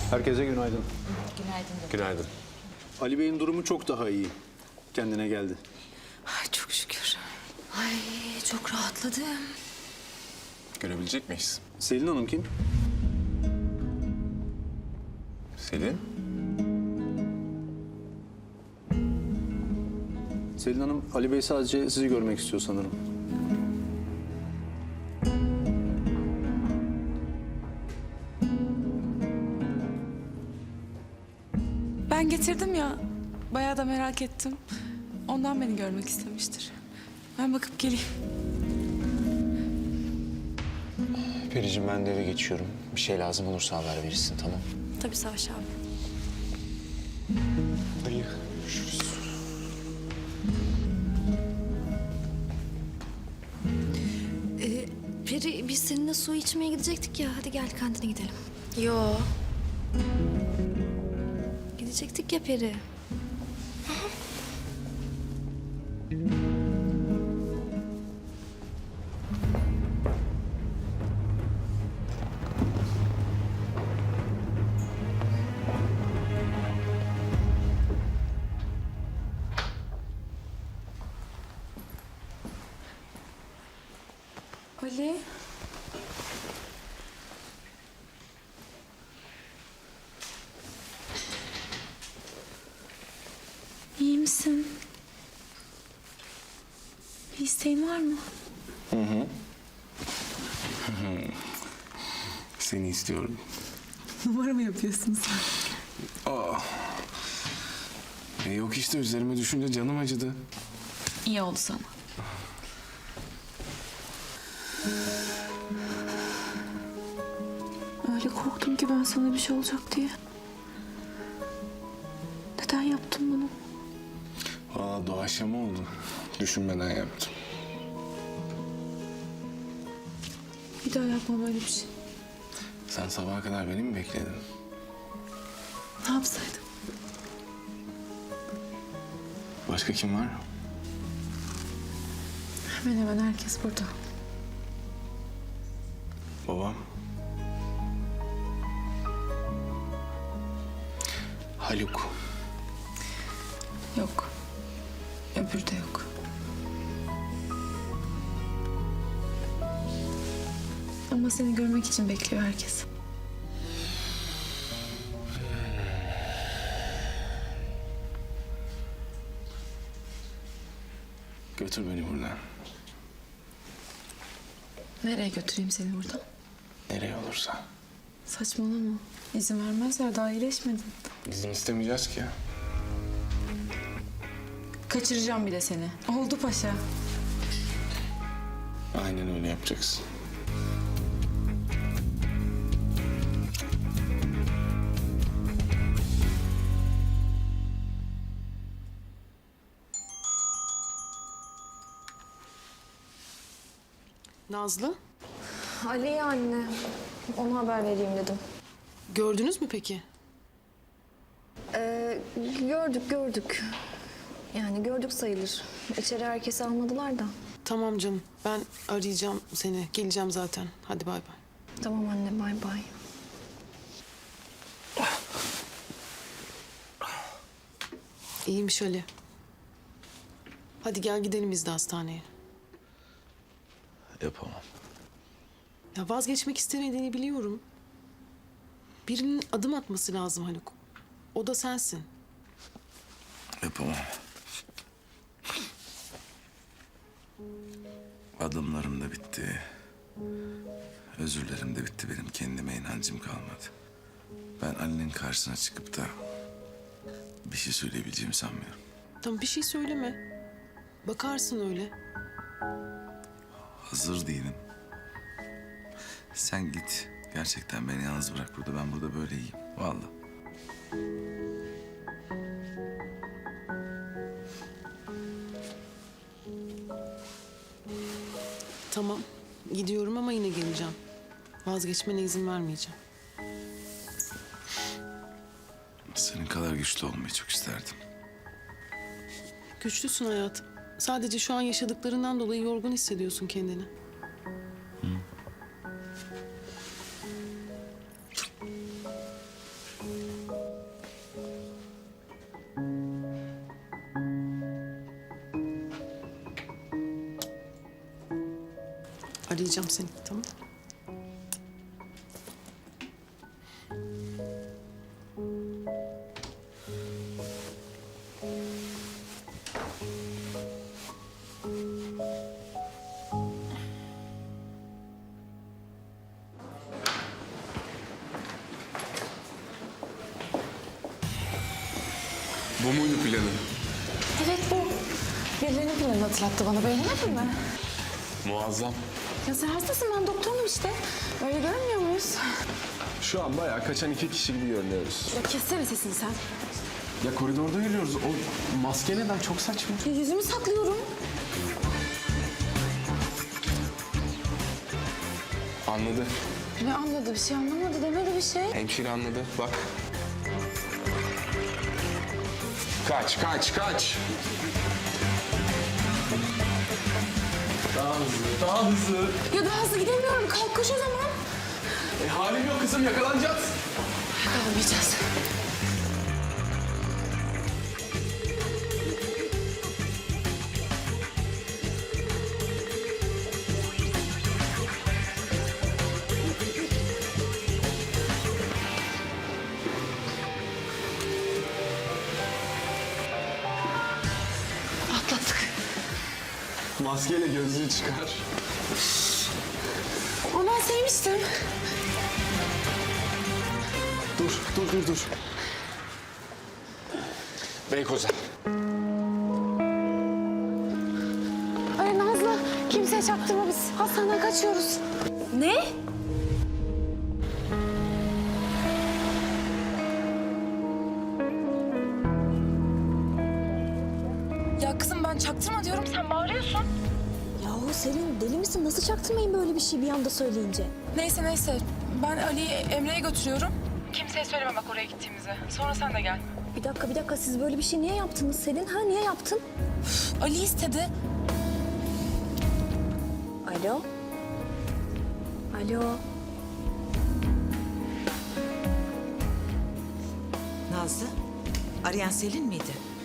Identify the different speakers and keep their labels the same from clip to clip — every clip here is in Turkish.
Speaker 1: Herkese günaydın.
Speaker 2: Günaydın.
Speaker 3: Günaydın.
Speaker 1: Ali Bey'in durumu çok daha iyi. Kendine geldi.
Speaker 2: Ay çok şükür. Ay çok rahatladım.
Speaker 3: Görebilecek miyiz?
Speaker 1: Selin Hanım kim?
Speaker 3: Selin?
Speaker 1: Selin Hanım, Ali Bey sadece sizi görmek istiyor sanırım.
Speaker 4: Ben getirdim ya. Bayağı da merak ettim. Ondan beni görmek istemiştir. Ben bakıp geleyim.
Speaker 5: Periciğim ben de eve geçiyorum. Bir şey lazım olursa haber verirsin, tamam?
Speaker 4: Tabii Savaş abi.
Speaker 5: Dayı, görüşürüz.
Speaker 6: Peri biz seninle su içmeye gidecektik ya. Hadi gel kantine gidelim.
Speaker 2: Yo.
Speaker 6: Gidecektik ya Peri.
Speaker 4: Ali. İyi misin? Bir isteğin var mı?
Speaker 3: Seni istiyorum.
Speaker 4: Numara mı yapıyorsun sen?
Speaker 3: Yok işte üzerime düşünce canım acıdı.
Speaker 4: İyi oldu sana. Öyle korktum ki ben sana bir şey olacak diye. Neden yaptın bunu?
Speaker 3: Valla doğaçlama oldu. Düşünmeden yaptım.
Speaker 4: Bir daha yapma böyle bir şey.
Speaker 3: Sen sabaha kadar beni mi bekledin?
Speaker 4: Ne yapsaydım?
Speaker 3: Başka kim var?
Speaker 4: Hemen hemen herkes burada.
Speaker 3: Babam. Haluk.
Speaker 4: Yok. Öbürü de yok. Ama seni görmek için bekliyor herkes.
Speaker 3: Götür beni buradan.
Speaker 4: Nereye götüreyim seni buradan?
Speaker 3: Nereye olursa.
Speaker 4: Saçmalama. İzin vermezler, daha iyileşmedin.
Speaker 3: İzin istemeyeceğiz ki ya.
Speaker 4: Kaçıracağım bir de seni. Oldu paşa.
Speaker 3: Aynen öyle yapacaksın.
Speaker 7: Nazlı,
Speaker 6: Ali'ye anne. Ona haber vereyim dedim.
Speaker 7: gördünüz mü peki?
Speaker 6: Gördük. Yani gördük sayılır. İçeri herkesi almadılar da.
Speaker 7: Tamam canım, ben arayacağım seni. Geleceğim zaten. Hadi bay bay.
Speaker 6: Tamam anne, bay bay.
Speaker 7: İyiymiş Ali. Hadi gel gidelim biz de hastaneye.
Speaker 3: Yapamam.
Speaker 7: Ya vazgeçmek istemediğini biliyorum. Birinin adım atması lazım Haluk. O da sensin.
Speaker 8: Yapamam. Adımlarım da bitti. Özürlerim de bitti. Benim kendime inancım kalmadı. Ben Ali'nin karşısına çıkıp da bir şey söyleyebileceğimi sanmıyorum.
Speaker 7: Tamam bir şey söyleme. Bakarsın öyle.
Speaker 8: Hazır değilim. Sen git. Gerçekten beni yalnız bırak burada. Ben burada böyle iyiyim. Vallahi.
Speaker 7: Tamam gidiyorum ama yine geleceğim. Vazgeçmene izin vermeyeceğim.
Speaker 8: Senin kadar güçlü olmayı çok isterdim.
Speaker 7: Güçlüsün hayatım. Sadece şu an yaşadıklarından dolayı yorgun hissediyorsun kendini. arayacağım seni, tamam?
Speaker 3: Bu muydu planın?
Speaker 4: Evet bu. Birilerinin planını hatırlattı bana. Beğenmedin mi?
Speaker 3: Muazzam.
Speaker 4: Ya sen hastasın, ben doktorum işte. Öyle görünmüyor muyuz?
Speaker 3: Şu an bayağı kaçan iki kişi gibi görünüyoruz.
Speaker 4: Ya kessene sesini sen.
Speaker 3: Ya koridorda yürüyoruz. O maske neden? Çok saçma.
Speaker 4: Ya yüzümü saklıyorum.
Speaker 3: Anladı.
Speaker 4: Ne anladı? Bir şey anlamadı. Demedi bir şey.
Speaker 3: Hemşire anladı. Bak. Kaç, kaç, kaç. Daha hızlı, daha hızlı.
Speaker 4: Ya daha hızlı gidemiyorum. Kalk koş o zaman.
Speaker 3: Halim yok kızım, yakalanacağız.
Speaker 4: Yakalanmayacağız. Atlattık.
Speaker 3: Maskeyle gözlüğü çıkar.
Speaker 4: Ama ben sevmiştim.
Speaker 3: Dur. Beykoz'a.
Speaker 4: Ay Nazlı, kimseye çaktırma, biz hastaneden kaçıyoruz.
Speaker 6: Ne?
Speaker 4: Ya kızım ben çaktırma diyorum, sen bağırıyorsun.
Speaker 6: Yahu Selin deli misin? Nasıl çaktırmayın böyle bir şey bir anda söyleyince?
Speaker 4: Neyse. Ben Ali'yi Emre'ye götürüyorum. Kimseye söyleme bak oraya gittiğimizi. Sonra sen de gel.
Speaker 6: Bir dakika siz böyle bir şey niye yaptınız Selin? Ha niye yaptın?
Speaker 4: Ali istedi.
Speaker 6: Alo? Alo?
Speaker 9: Nazlı, arayan Selin miydi?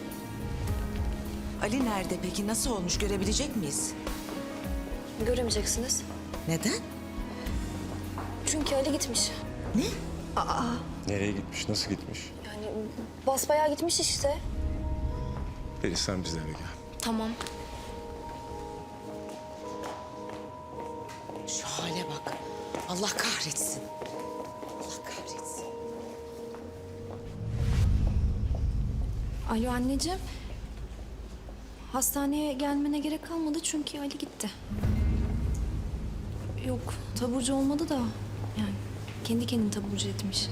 Speaker 9: Ali nerede peki? Nasıl olmuş? Görebilecek miyiz?
Speaker 6: Göremeyeceksiniz.
Speaker 9: Neden?
Speaker 6: Çünkü Ali gitmiş.
Speaker 9: Ne?
Speaker 3: Nereye gitmiş, nasıl gitmiş?
Speaker 6: Yani basbayağı gitmiş işte.
Speaker 3: Peki sen bizlerle gel.
Speaker 6: Tamam.
Speaker 9: Şu hale bak. Allah kahretsin. Allah kahretsin.
Speaker 6: Alo anneciğim. Hastaneye gelmene gerek kalmadı çünkü Ali gitti. Yok, taburcu olmadı da yani kendi kendini taburcu etmiş.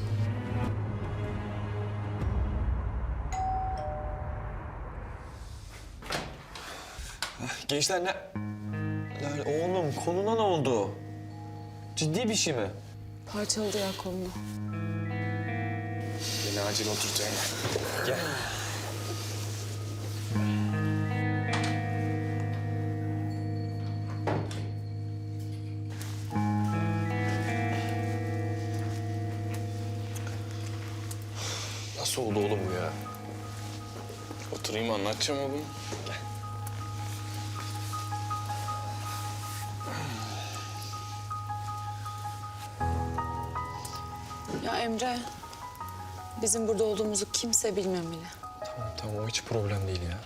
Speaker 5: Gençler ne... Lan oğlum koluna ne oldu? Ciddi bir şey mi?
Speaker 4: Parçaladı ya kolunu.
Speaker 3: Beni acil oturtayım.
Speaker 5: Gel.
Speaker 3: Nasıl oldu oğlum bu ya? Oturayım anlatacağım oğlum.
Speaker 4: Ya Emre, bizim burada olduğumuzu kimse bilmemeli.
Speaker 5: Tamam o hiç problem değil ya.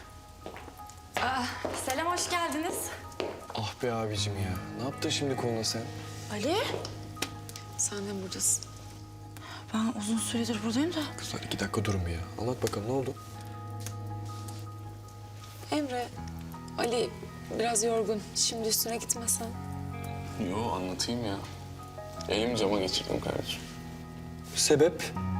Speaker 2: Selam, hoş geldiniz.
Speaker 5: Ah be abicim ya. Ne yaptın şimdi koluna sen?
Speaker 4: Ali? Sen de buradasın.
Speaker 2: Ben uzun süredir buradayım da.
Speaker 5: Kızlar 2 dakika durun bir ya. Anlat bakalım ne oldu?
Speaker 4: Emre, Ali biraz yorgun. Şimdi üstüne gitmesen.
Speaker 3: Yo anlatayım ya. Elim cama geçirdim kardeşim.
Speaker 5: Sebep?